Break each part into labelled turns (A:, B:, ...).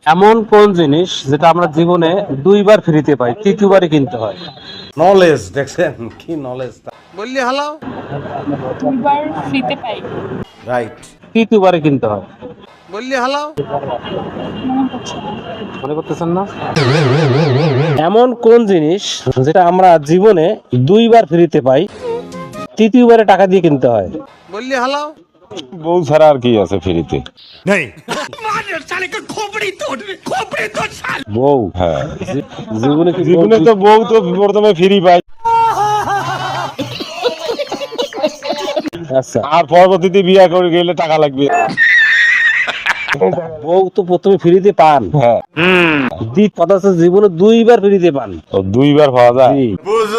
A: এমন কোন জিনিস যেটা আমরা জীবনে দুইবার ফ্রিতে পাই, তৃতীয়বারে কিনতে হয়?
B: নলেজ দেখছেন কি নলেজ
C: বললি হালাও
D: দুইবার ফ্রিতে পাই।
B: রাইট
A: তৃতীয়বারে কিনতে হয়।
C: বললি হালাও
A: মনে করতেছেন না? এমন কোন জিনিস যেটা আমরা জীবনে দুইবার ফ্রিতে পাই, তৃতীয়বারে টাকা দিয়ে কিনতে হয়?
C: বললি হালাও
B: বউ ছাড়া আর কি আছে ফ্রিতে
A: বউ।
B: হ্যাঁ
A: জীবনে কি
B: জীবনে তো বউ তো প্রথমে ফ্রি পাই
A: আচ্ছা,
B: আর পরবর্তীতে বিয়ে করে গেলে টাকা লাগবে।
A: বউ তো প্রথমে ফ্রিতে পান,
B: হ্যাঁ
A: দ্বিত কথা হচ্ছে জীবনে দুইবার ফ্রিতে পান।
B: তো দুইবার পাওয়া যায়,
A: জি।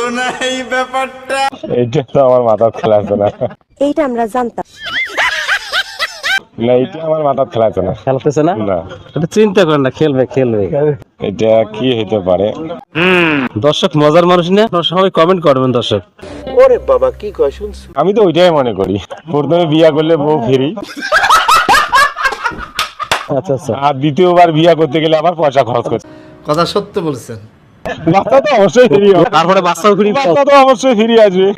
B: এইটা তো আমার মাথার খেলা আছে না।
E: এইটা আমরা জানতাম।
B: না এটা আমার মাথার খেলা আছে না।
A: খেলতেছে না,
B: না
A: এটা চিন্তা করেন না, খেলবে খেলবে।
B: এটা কি হইতে পারে?
A: দর্শক মজার মানুষ না, আপনারা সবাই কমেন্ট করবেন দর্শক।
B: আমি তো ওইটাই মনে করি, প্রথমে বিয়ে করলে বউ ফ্রি,
A: আচ্ছা আচ্ছা,
B: আর দ্বিতীয়বার বিয়ে করতে গেলে আবার পয়সা খরচ করছে।
C: কথা সত্য বলছেন।
B: বাচ্চা তো অবশ্যই ফ্রি হবে,
A: তারপরে বাচ্চাও ফ্রি।
B: বাচ্চা তো অবশ্যই ফ্রি আসবে।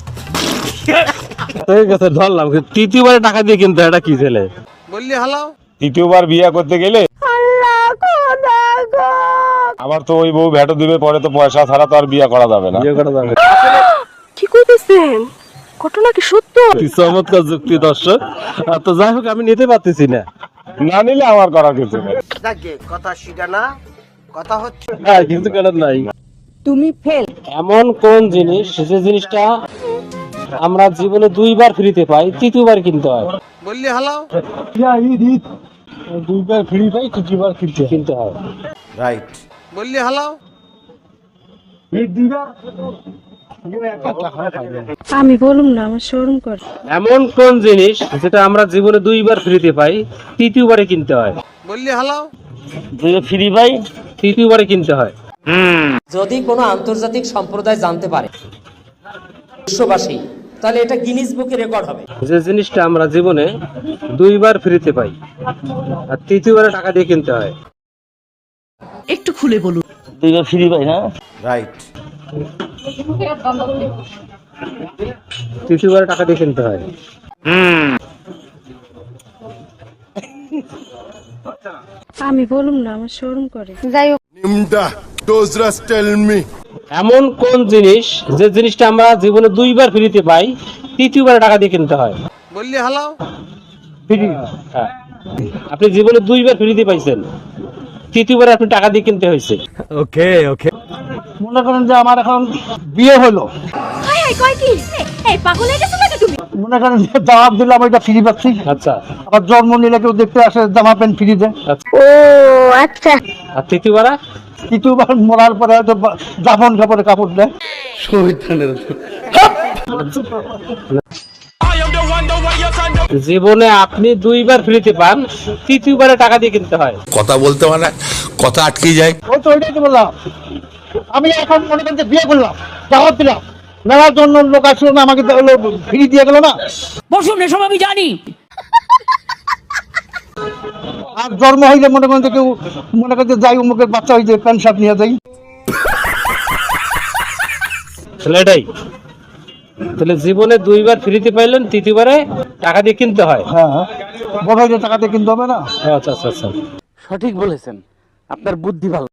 A: ঠিক আছে ধরলাম, কিন্তু তৃতীয়বারে টাকা দিয়ে কিনতে হয়, এটা কি ছেলে?
C: বললি হালাও
B: তৃতীয়বার বিয়ে করতে গেলে আবার তো ওই বউ ভেটো দিবে, পরে তো পয়সা ছাড়া তো আর বিয়ে করা যাবে না।
A: বিয়ে করা যাবে।
E: কি কইতেছেন? ঘটনা কি সত্য?
A: কি চমৎকার যুক্তি দর্শক। তো যাই হোক, আমি নিতে পারতেছি না।
B: না নিলে আমার করার কিছু নেই।
C: কথা শিখা না কথা হচ্ছে।
A: হ্যাঁ, কিন্তু কেন নাই।
E: তুমি ফেল।
A: এমন কোন জিনিস যে জিনিসটা আমরা জীবনে দুইবার ফ্রিতে পাই, তৃতীয়বার কিনতে হয়?
C: বললি হালাও
A: দুইবার ফ্রি পাই, তৃতীয়বার কিনতে হয়।
B: রাইট
C: বললি হালাও
E: আমি বলুম না, আমার শরম করে।
A: এমন কোন জিনিস যেটা আমরা জীবনে দুইবার ফ্রিতে পাই, তৃতীয়বারে কিনতে হয়?
C: বললি হালাও
A: দুইবার ফ্রি পাই, তৃতীয়বারে কিনতে হয়।
F: যদি কোনো আন্তর্জাতিক সম্প্রদায় জানতে পারে বিশ্ববাসী, তাহলে এটা গিনিস বুকে রেকর্ড হবে।
A: যে জিনিসটা আমরা জীবনে দুইবার ফ্রিতে পাই আর তৃতীয়বারে টাকা দিয়ে কিনতে হয়।
F: একটু খুলে বলুন।
A: দুইবার ফ্রি পাই না,
B: রাইট
A: তৃতীয়বারে টাকা দিয়ে কিনতে হয়।
E: আমি বলুম না, আমার শরম করে। যাই হোক,
A: এমন কোন জিনিস যে জিনিসটা আমরা জীবনে দুইবার ফ্রিতে পাই, তৃতীয়বারে টাকা দিয়ে কিনতে হয়?
C: বললি হালাও
A: হ্যাঁ। আপনি জীবনে দুইবার ফ্রিতে পাইছেন, তৃতীয়বারে আপনি টাকা দিয়ে কিনতে হয়েছে।
G: মনে করেন যে আমার এখন বিয়ে হলো,
E: কয় কি? এই পাগল হয়ে গেছো নাকি তুমি?
G: মনে করেন যে জবাব দিলাম ওইটা ফ্রি পাচ্ছি,
A: আচ্ছা
G: আবার জন্ম নিলে কেউ দেখতে আসে জামা প্যান্ট ফ্রি দেয়।
E: ও আচ্ছা।
A: আর তৃতীয়বারে
G: তৃতীয়বার মরার পরে হয়তো জাফন কাপড়ে কাপড় দেয়।
A: জীবনে আপনি দুইবার ফ্রিতে পান, তৃতীয়বারে টাকা দিয়ে কিনতে হয়।
H: কথা বলতে মানে কথা আটকে যায়।
G: ওই তো ওইটাই তো বললাম, আমি এখন মনে করেন যে বিয়ে করলাম, জবাব দিলাম, নেওয়ার জন্য লোক আসলো না, আমাকে ফ্রি দিয়ে গেল না।
F: বসুন, এসব আমি জানি।
G: আর জন্ম হইলে মনে করেন যে কেউ মনে করেন যে যাই অমুকের বাচ্চা হয়েছে প্যান্ট শার্ট নিয়ে যাই।
A: তাহলে এটাই, তাহলে জীবনে দুইবার ফ্রিতে পাইলেন, তৃতীয়বারে টাকা দিয়ে কিনতে হয়।
G: হ্যাঁ, বড় হইলে টাকা দিয়ে কিনতে হবে না।
A: আচ্ছা আচ্ছা আচ্ছা,
F: সঠিক বলেছেন, আপনার বুদ্ধি ভালো।